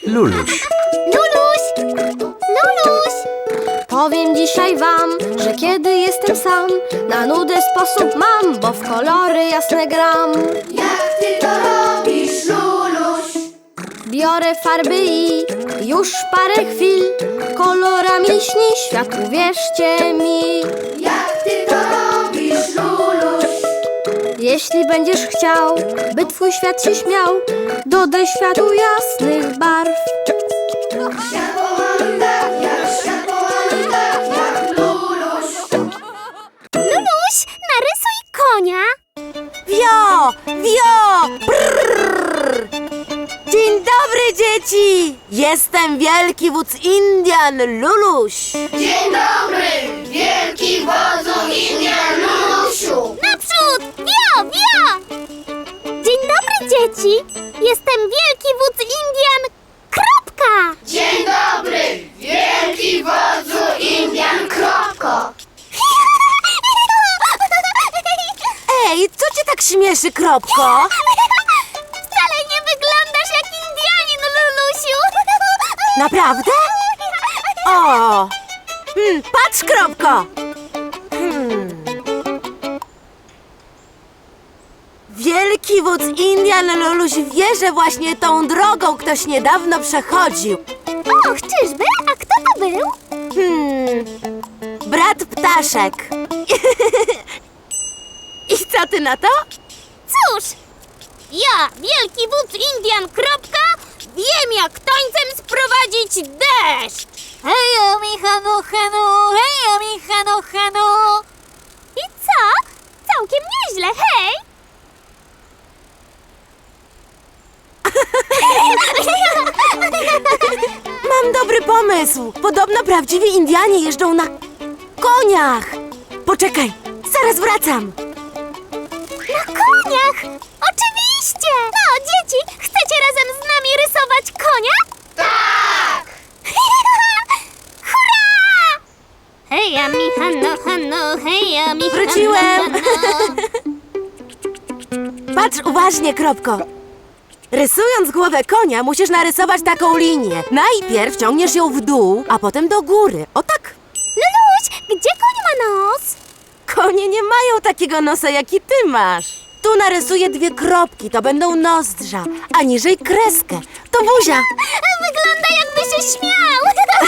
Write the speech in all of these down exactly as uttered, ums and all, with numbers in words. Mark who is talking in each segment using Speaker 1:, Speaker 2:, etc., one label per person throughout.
Speaker 1: Luluś.
Speaker 2: Luluś! Luluś! Powiem dzisiaj wam, że kiedy jestem sam, na nudę sposób mam, bo w kolory jasne gram.
Speaker 3: Jak ty to robisz, Luluś?
Speaker 2: Biorę farby i już parę chwil kolorami śni świat, uwierzcie mi.
Speaker 3: Jak ty to robisz, Luluś?
Speaker 2: Jeśli będziesz chciał, by twój świat się śmiał, dodaj światu jasnych barw.
Speaker 3: Świat pomaluj tak jak, świat pomaluj tak jak Luluś.
Speaker 2: Luluś, narysuj konia.
Speaker 4: Wio! Wio! Brrr. Dzień dobry, dzieci! Jestem wielki wódz Indian, Luluś.
Speaker 3: Dzień dobry, wielki wodzu Indian, Lulusiu.
Speaker 2: Naprzód! Wio! Wio! Dzień dobry, dzieci! Jestem wielki wódz Indian. Kropka!
Speaker 3: Dzień dobry, wielki wodzu Indian, kropko.
Speaker 4: Ej, co cię tak śmieszy, Kropko?
Speaker 2: Wcale nie wyglądasz jak Indianin, Lulusiu!
Speaker 4: Naprawdę? O! Hmm, patrz, Kropko! Hmm. Wielki wódz Indian, Luluś wie, że właśnie tą drogą ktoś niedawno przechodził.
Speaker 2: Och, czyżby? A kto to był?
Speaker 4: Hmm, brat Ptaszek. I co ty na to?
Speaker 2: Cóż, ja, wielki wódz Indian, kropka, wiem jak tańcem sprowadzić deszcz. Hejo, mi hanu, hanu, hejo, mi hanu, hanu. I co? Całkiem nieźle, hej!
Speaker 4: Mam dobry pomysł. Podobno prawdziwi Indianie jeżdżą na koniach. Poczekaj, zaraz wracam.
Speaker 2: Na koniach! Oczywiście! No, dzieci, chcecie razem z nami rysować konia?
Speaker 3: Tak!
Speaker 2: Hurra! Heja mi hano, hano, heja mi hano,
Speaker 4: Wróciłem.
Speaker 2: hano.
Speaker 4: Patrz uważnie, Kropko. Rysując głowę konia, musisz narysować taką linię. Najpierw ciągniesz ją w dół, a potem do góry. O tak.
Speaker 2: Luluś, gdzie koń ma nos?
Speaker 4: Konie nie mają takiego nosa, jaki ty masz. Tu narysuję dwie kropki, to będą nozdrza, a niżej kreskę. To buzia.
Speaker 2: Wygląda jakby się śmiał.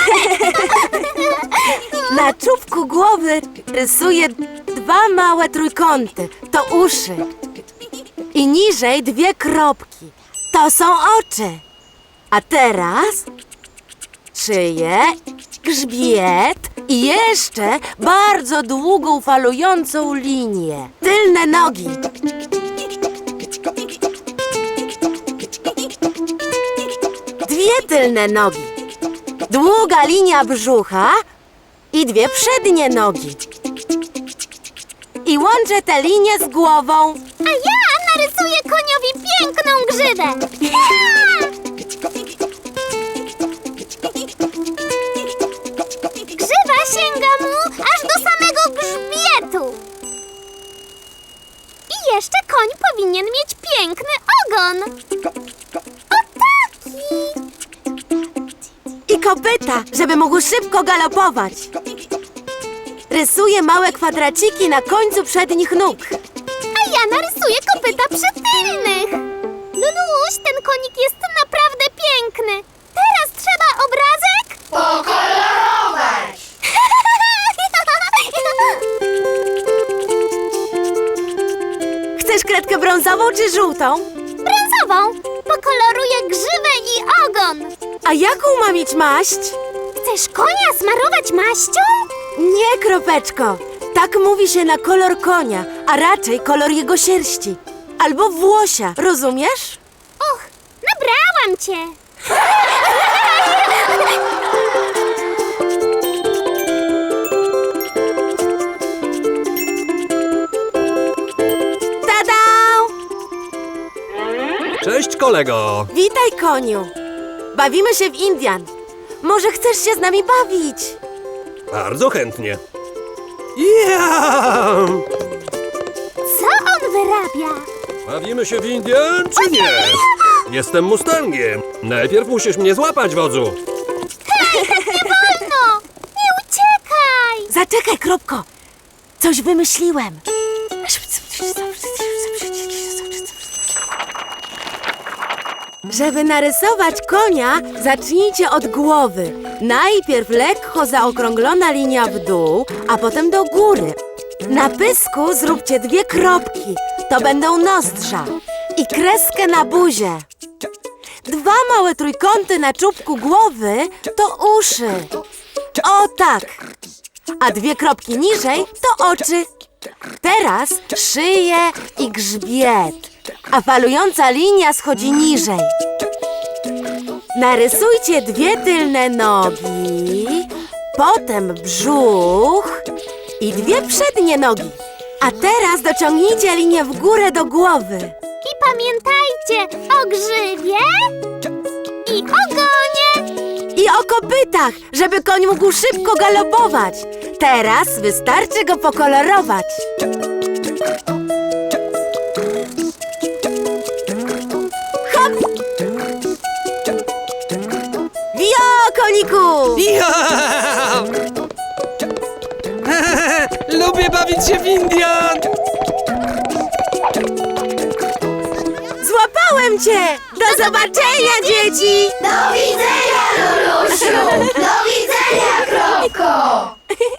Speaker 4: Na czubku głowy rysuję dwa małe trójkąty. To uszy. I niżej dwie kropki. To są oczy. A teraz szyję, grzbiet i jeszcze bardzo długą, falującą linię. Tylne nogi. Dwie tylne nogi. Długa linia brzucha i dwie przednie nogi. I łączę te linie z głową.
Speaker 2: A ja narysuję koniowi piękną grzywę. Grzywa sięga mu aż do samego grzbietu. I jeszcze koń powinien mieć piękny ogon. O taki!
Speaker 4: I kopyta, żeby mógł szybko galopować. Rysuję małe kwadraciki na końcu przednich nóg.
Speaker 2: A ja narysuję kopyta przytylnych. Luluś, ten konik jest naprawdę piękny. Teraz trzeba obrazek?
Speaker 3: Pokolorować!
Speaker 4: Chcesz kredkę brązową czy żółtą?
Speaker 2: Brązową. Pokoloruję grzywę i ogon.
Speaker 4: A jaką ma mieć maść?
Speaker 2: Chcesz konia smarować maścią?
Speaker 4: Nie, Kropeczko. Tak mówi się na kolor konia, a raczej kolor jego sierści. Albo włosia, rozumiesz?
Speaker 2: Och, nabrałam cię.
Speaker 4: Tada!
Speaker 1: Cześć, kolego.
Speaker 4: Witaj, koniu. Bawimy się w Indian. Może chcesz się z nami bawić?
Speaker 1: Bardzo chętnie. Ja!
Speaker 2: Co on wyrabia?
Speaker 1: Bawimy się w Indian, czy nie? Jestem Mustangiem. Najpierw musisz mnie złapać, wodzu.
Speaker 2: No, nie uciekaj!
Speaker 4: Zaczekaj, Kropko. Coś wymyśliłem. Żeby narysować konia, zacznijcie od głowy. Najpierw lekko zaokrąglona linia w dół, a potem do góry. Na pysku zróbcie dwie kropki. To będą nozdrza. I kreskę na buzie. Dwa małe trójkąty na czubku głowy to uszy. O tak. A dwie kropki niżej to oczy. Teraz szyję i grzbiet. A falująca linia schodzi niżej. Narysujcie dwie tylne nogi, potem brzuch i dwie przednie nogi. A teraz dociągnijcie linię w górę do głowy.
Speaker 2: I pamiętajcie o grzybie i ogonie.
Speaker 4: I o kopytach, żeby koń mógł szybko galopować. Teraz wystarczy go pokolorować. Hop! Wio, koniku!
Speaker 1: Ja! Lubię bawić się w Indian!
Speaker 4: Złapałem cię! Do zobaczenia, dzieci!
Speaker 3: Do widzenia, Lulusiu! Do widzenia, Kropko!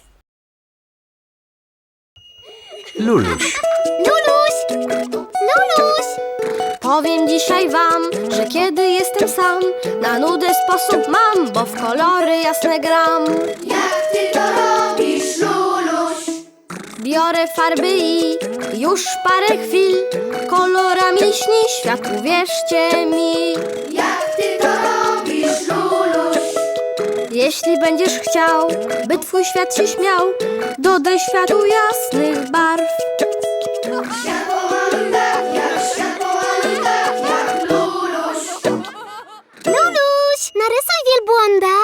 Speaker 5: Luluś.
Speaker 2: Luluś! Luluś!
Speaker 6: Powiem dzisiaj wam, że kiedy jestem sam, na nudę sposób mam, bo w kolory jasne gram.
Speaker 3: Jak ty to robisz, Luluś?
Speaker 6: Biorę farby i już parę chwil kolorami śni świat, uwierzcie mi.
Speaker 3: Jak ty to robisz, Luluś?
Speaker 6: Jeśli będziesz chciał, by twój świat się śmiał, dodaj światu jasnych barw.
Speaker 3: Świat pomaluj tak, jak świat pomaluj tak, jak Luluś.
Speaker 2: Luluś! Narysuj wielbłąda.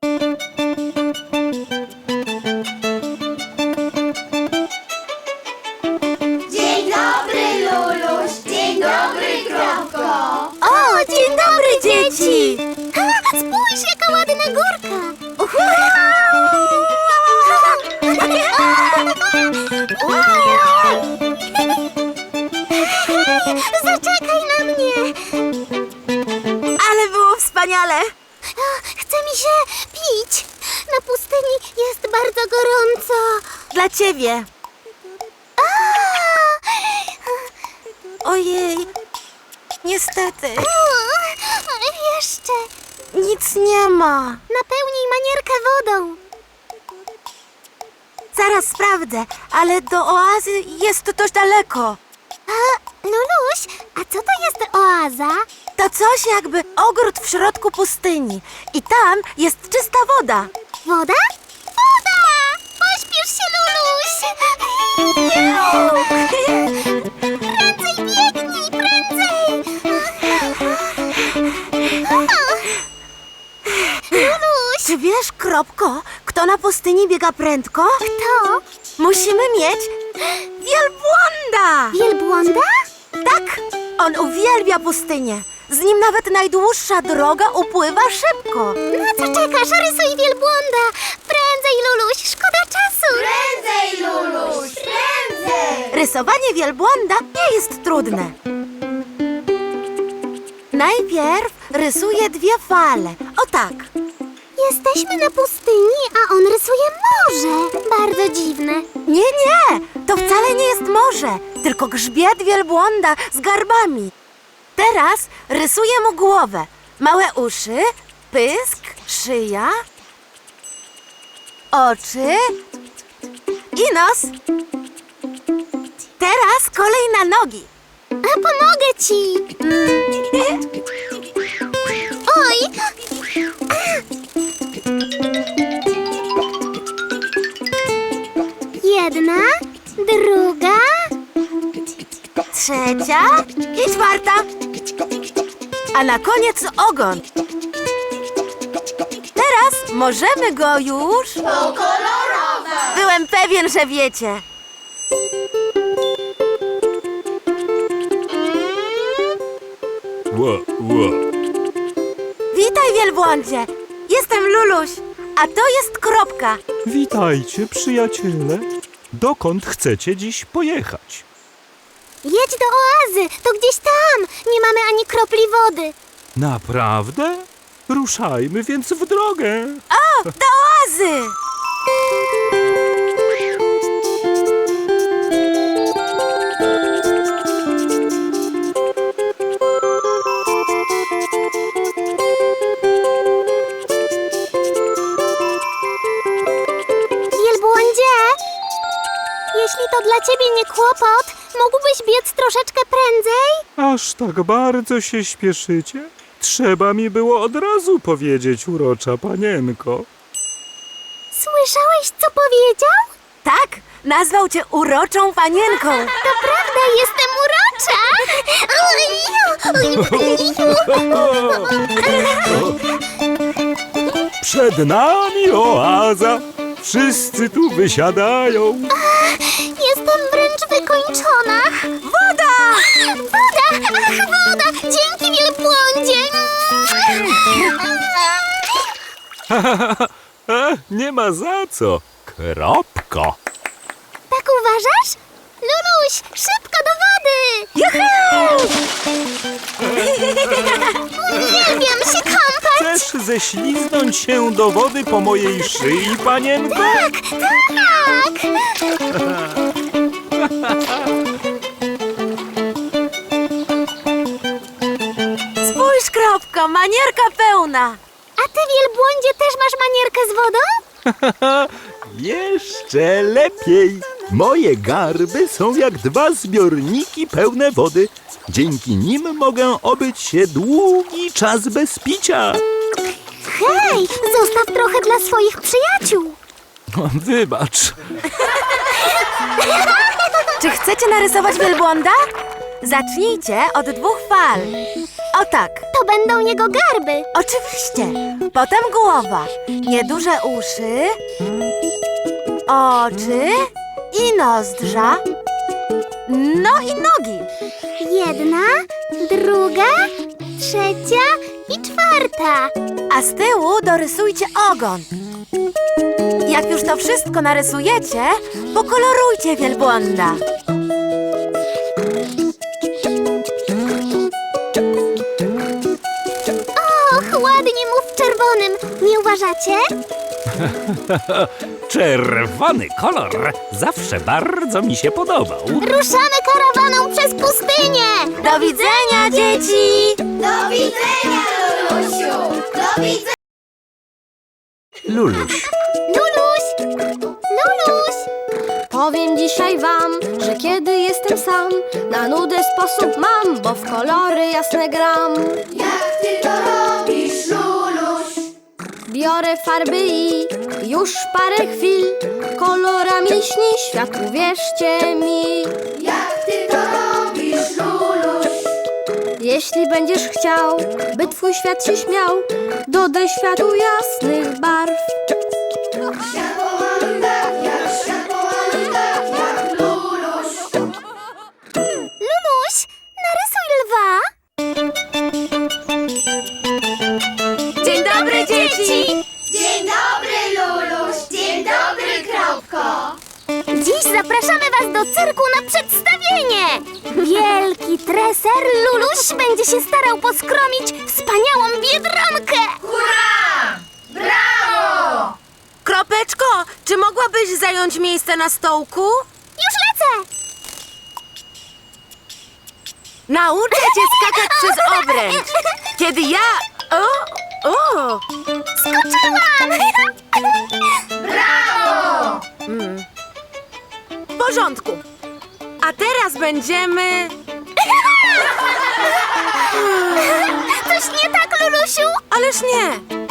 Speaker 3: Dzień dobry, Luluś! Dzień dobry, Kropko!
Speaker 4: O, dzień dobry, dzieci!
Speaker 2: Ha, spójrz, jaka ładna górka. Zaczekaj na mnie.
Speaker 4: Ale było wspaniale!
Speaker 2: Chce mi się pić. Na pustyni jest bardzo gorąco.
Speaker 4: Dla ciebie. Ojej, niestety,
Speaker 2: Jeszcze.
Speaker 4: nic nie ma.
Speaker 2: Napełnij manierkę wodą.
Speaker 4: Zaraz sprawdzę, ale do oazy jest dość daleko.
Speaker 2: A, Luluś, a co to jest oaza?
Speaker 4: To coś jakby ogród w środku pustyni. I tam jest czysta woda.
Speaker 2: Woda? Woda! Pośpiesz się, Luluś! Prędzej biegnij, prędzej! Luluś!
Speaker 4: Czy wiesz, Kropko, kto na pustyni biega prędko?
Speaker 2: Kto?
Speaker 4: Musimy mieć wielbłąda!
Speaker 2: Wielbłąda?
Speaker 4: Tak, on uwielbia pustynię. Z nim nawet najdłuższa droga upływa szybko.
Speaker 2: Na co czekasz? Rysuj wielbłąda! Prędzej, Luluś, szkoda czasu!
Speaker 3: Prędzej, Luluś! Prędzej!
Speaker 4: Rysowanie wielbłąda nie jest trudne. Najpierw rysuję dwie fale. O tak.
Speaker 2: Jesteśmy na pustyni, a on rysuje morze. Bardzo dziwne.
Speaker 4: Nie, nie, to wcale nie jest morze, tylko grzbiet wielbłąda z garbami. Teraz rysuję mu głowę. Małe uszy, pysk, szyja, oczy i nos. Teraz kolej na nogi.
Speaker 2: A pomogę ci! Oj! Jedna, druga,
Speaker 4: Trzecia i czwarta. A na koniec ogon. Teraz możemy go już
Speaker 3: Pokolorować!
Speaker 4: Byłem pewien, że wiecie.
Speaker 1: Ło, ło.
Speaker 4: Witaj, wielbłądzie! Jestem Luluś, a to jest Kropka.
Speaker 7: Witajcie, przyjaciele. Dokąd chcecie dziś pojechać?
Speaker 2: Jedź do oazy, to gdzieś tam. Nie mamy ani kropli wody.
Speaker 7: Naprawdę? Ruszajmy więc w drogę.
Speaker 4: O, do oazy!
Speaker 2: Wielbłądzie, jeśli to dla ciebie nie kłopot, mógłbyś biec troszeczkę prędzej?
Speaker 7: Aż tak bardzo się śpieszycie? Trzeba mi było od razu powiedzieć, urocza panienko.
Speaker 2: Słyszałeś, co powiedział?
Speaker 4: Tak, nazwał cię uroczą panienką.
Speaker 2: To prawda, jestem urocza!
Speaker 7: Przed nami oaza. Wszyscy tu wysiadają.
Speaker 2: Jestem wręcz wykończona.
Speaker 4: Woda!
Speaker 2: Woda! Ach, woda! Dzięki, wielbłądzie!
Speaker 7: E, nie ma za co. Kropko.
Speaker 2: Tak uważasz? Luluś, szybko do wody! Uwielbiam się kąpać!
Speaker 7: Chcesz ześliznąć się do wody po mojej szyi, panienko?
Speaker 2: Tak, tak!
Speaker 4: Spójrz, Kropko, manierka pełna.
Speaker 2: A ty, wielbłądzie, też masz manierkę z wodą?
Speaker 7: Jeszcze lepiej. Moje garby są jak dwa zbiorniki pełne wody. Dzięki nim mogę obyć się długi czas bez picia.
Speaker 2: Hej, zostaw trochę dla swoich przyjaciół.
Speaker 7: Wybacz.
Speaker 4: Czy chcecie narysować wielbłąda? Zacznijcie od dwóch fal. O tak,
Speaker 2: To będą jego garby.
Speaker 4: oczywiście. Potem głowa, nieduże uszy, oczy i nozdrza. No i nogi.
Speaker 2: Jedna, druga, trzecia i czwarta.
Speaker 4: A z tyłu dorysujcie ogon. Jak już to wszystko narysujecie, pokolorujcie wielbłąda.
Speaker 2: Och, ładnie mu w czerwonym. Nie uważacie?
Speaker 5: Czerwony kolor zawsze bardzo mi się podobał.
Speaker 2: Ruszamy karawaną przez pustynię.
Speaker 4: Do widzenia, dzieci!
Speaker 3: Do widzenia, Lulusiu! Do widzenia!
Speaker 5: Luluś.
Speaker 2: Luluś! Luluś!
Speaker 6: Powiem dzisiaj wam, że kiedy jestem sam, na nudę sposób mam, bo w kolory jasne gram.
Speaker 3: Jak ty to robisz, Luluś?
Speaker 6: Biorę farby i już parę chwil kolorami śni świat, uwierzcie mi.
Speaker 3: Jak ty to robisz, Luluś?
Speaker 6: Jeśli będziesz chciał, by twój świat się śmiał, dodaj światu jasnych barw.
Speaker 3: Światło mam tak, jak światło mam tak, jak Luluś.
Speaker 2: Luluś, narysuj lwa.
Speaker 4: Dzień dobry, dzieci!
Speaker 3: Dzień dobry, Luluś! Dzień dobry, Kropko!
Speaker 2: Dziś zapraszamy was do cyrku na przedstawienie. Wielki treser Luluś będzie się starał poskromić wspaniałą biedronkę.
Speaker 3: Hurra! Brawo!
Speaker 4: Kropeczko, czy mogłabyś zająć miejsce na stołku?
Speaker 2: Już lecę.
Speaker 4: Nauczę cię skakać przez obręcz. Kiedy ja... O, o.
Speaker 2: Skoczyłam.
Speaker 3: Brawo!
Speaker 4: W porządku. A teraz będziemy...
Speaker 2: Coś nie tak, Lulusiu?
Speaker 4: Ależ nie.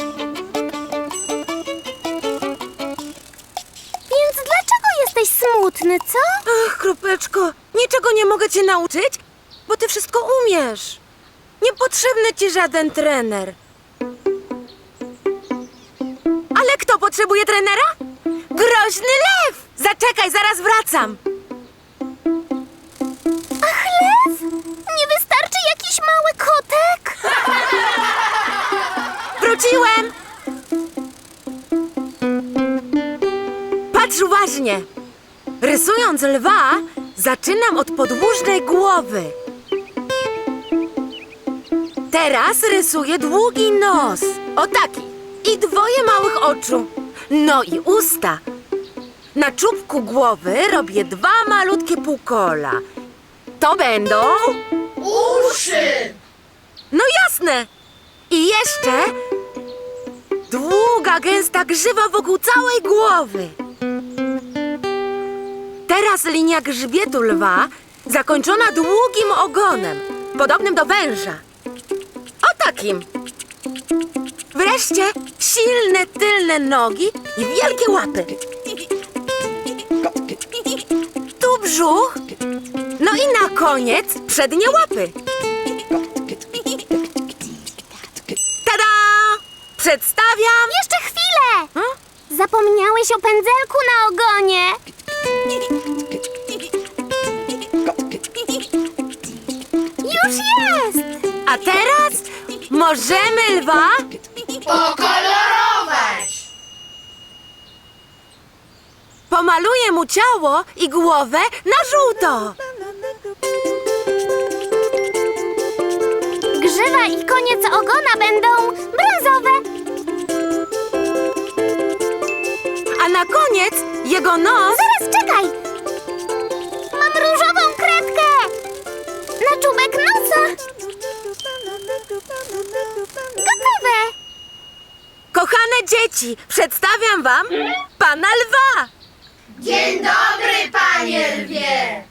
Speaker 2: Więc dlaczego jesteś smutny, co?
Speaker 4: Ach, Kropeczko, niczego nie mogę cię nauczyć, bo ty wszystko umiesz. Niepotrzebny ci żaden trener. Ale kto potrzebuje trenera? Groźny lew! Zaczekaj, zaraz wracam.
Speaker 2: Ach, lew? Nie wystarczy jakiś mały kotek?
Speaker 4: Wróciłem! Patrz uważnie! Rysując lwa, zaczynam od podłużnej głowy. Teraz rysuję długi nos. O taki. I dwoje małych oczu. No i usta. Na czubku głowy robię dwa malutkie półkola. To będą...
Speaker 3: Uszy!
Speaker 4: No jasne! I jeszcze długa, gęsta grzywa wokół całej głowy. Teraz linia grzbietu lwa zakończona długim ogonem, podobnym do węża. O takim. Wreszcie silne tylne nogi i wielkie łapy. Tu brzuch. No i na koniec przednie łapy. Tada! Przedstawiam...
Speaker 2: Jeszcze chwilę!
Speaker 4: Hmm?
Speaker 2: Zapomniałeś o pędzelku na ogonie. Już jest!
Speaker 4: A teraz możemy lwa...
Speaker 3: Pokolorować!
Speaker 4: Pomaluję mu ciało i głowę na żółto.
Speaker 2: Grzywa i koniec ogona będą brązowe.
Speaker 4: A na koniec jego nos...
Speaker 2: Zaraz, czekaj! Mam różową kredkę! Na czubek nosa! Gotowe!
Speaker 4: Kochane dzieci, przedstawiam wam pana lwa.
Speaker 3: Dzień dobry, panie lwie!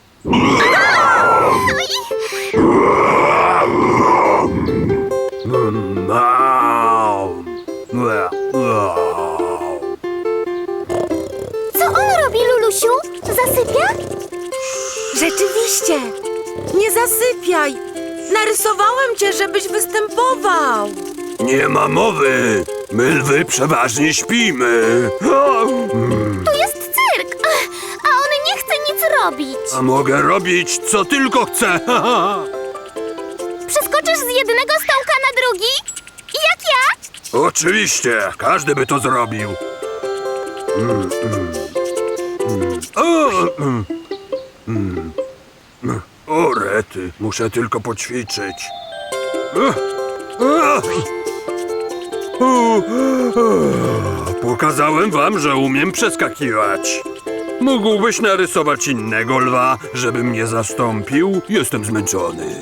Speaker 2: Co on robi, Lulusiu? Zasypia?
Speaker 4: Rzeczywiście, nie zasypiaj. Narysowałem cię, żebyś występował.
Speaker 7: Nie ma mowy. My lwy przeważnie śpimy.
Speaker 2: Tu jest cyrk, a on nie chce nic robić.
Speaker 7: A mogę robić, co tylko chcę.
Speaker 2: Przeskoczysz z jednego stołka na drugi? Jak ja?
Speaker 7: Oczywiście, każdy by to zrobił. Mm, mm, mm. O, mm, mm. O, rety, muszę tylko poćwiczyć. Ech, ech. O, ech. Pokazałem wam, że umiem przeskakiwać. Mógłbyś narysować innego lwa, żeby mnie zastąpił? Jestem zmęczony.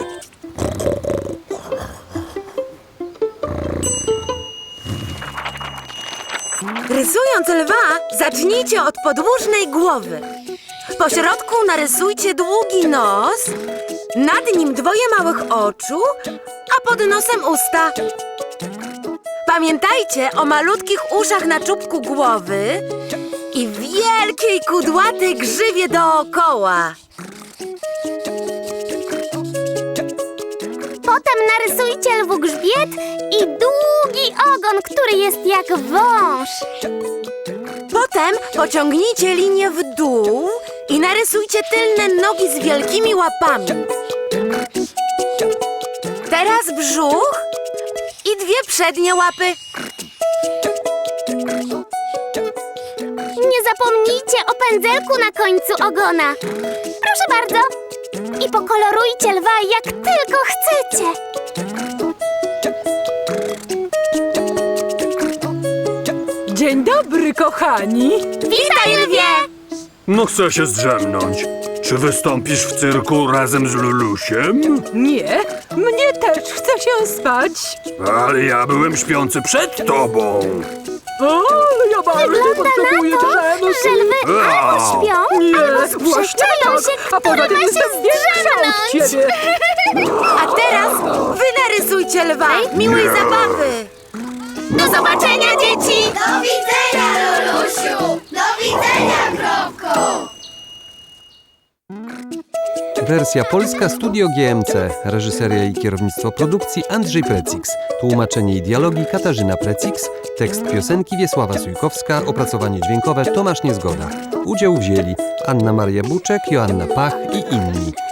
Speaker 4: Rysując lwa, zacznijcie od podłużnej głowy. Po środku narysujcie długi nos, nad nim dwoje małych oczu, a pod nosem usta. Pamiętajcie o malutkich uszach na czubku głowy i wielkiej kudłatej grzywie dookoła.
Speaker 2: Potem narysujcie lwu grzbiet i długi ogon, który jest jak wąż.
Speaker 4: Potem pociągnijcie linię w dół i narysujcie tylne nogi z wielkimi łapami. Teraz brzuch i dwie przednie łapy.
Speaker 2: Nie zapomnijcie o pędzelku na końcu ogona. Proszę bardzo. I pokolorujcie lwa jak tylko chcecie.
Speaker 1: Dzień dobry, kochani!
Speaker 2: Witaj, lwie!
Speaker 7: No chcę się zdrzemnąć. Czy wystąpisz w cyrku razem z Lulusiem?
Speaker 1: Nie, mnie też chce się spać.
Speaker 7: Ale ja byłem śpiący przed tobą.
Speaker 1: Ale ja bardzo
Speaker 2: Wygląda
Speaker 1: potrzebuję
Speaker 2: na to,
Speaker 1: drzemu.
Speaker 2: że lwy albo śpią,
Speaker 1: Nie,
Speaker 2: albo
Speaker 1: właśnie
Speaker 2: sprzeczają
Speaker 1: tak.
Speaker 2: się,
Speaker 1: A poza
Speaker 2: który
Speaker 1: tym
Speaker 2: ma się
Speaker 1: jestem większa od
Speaker 2: zdrzemnąć.
Speaker 1: ciebie.
Speaker 4: A teraz wy narysujcie lwa. Miłej zabawy.
Speaker 2: Do zobaczenia, dzieci!
Speaker 3: Do widzenia, Lulusiu! Do widzenia, Kropko!
Speaker 8: Wersja polska Studio G M C. Reżyseria i kierownictwo produkcji Andrzej Precix. Tłumaczenie i dialogi Katarzyna Precix. Tekst piosenki Wiesława Sujkowska. Opracowanie dźwiękowe Tomasz Niezgoda. Udział wzięli Anna Maria Buczek, Joanna Pach i inni.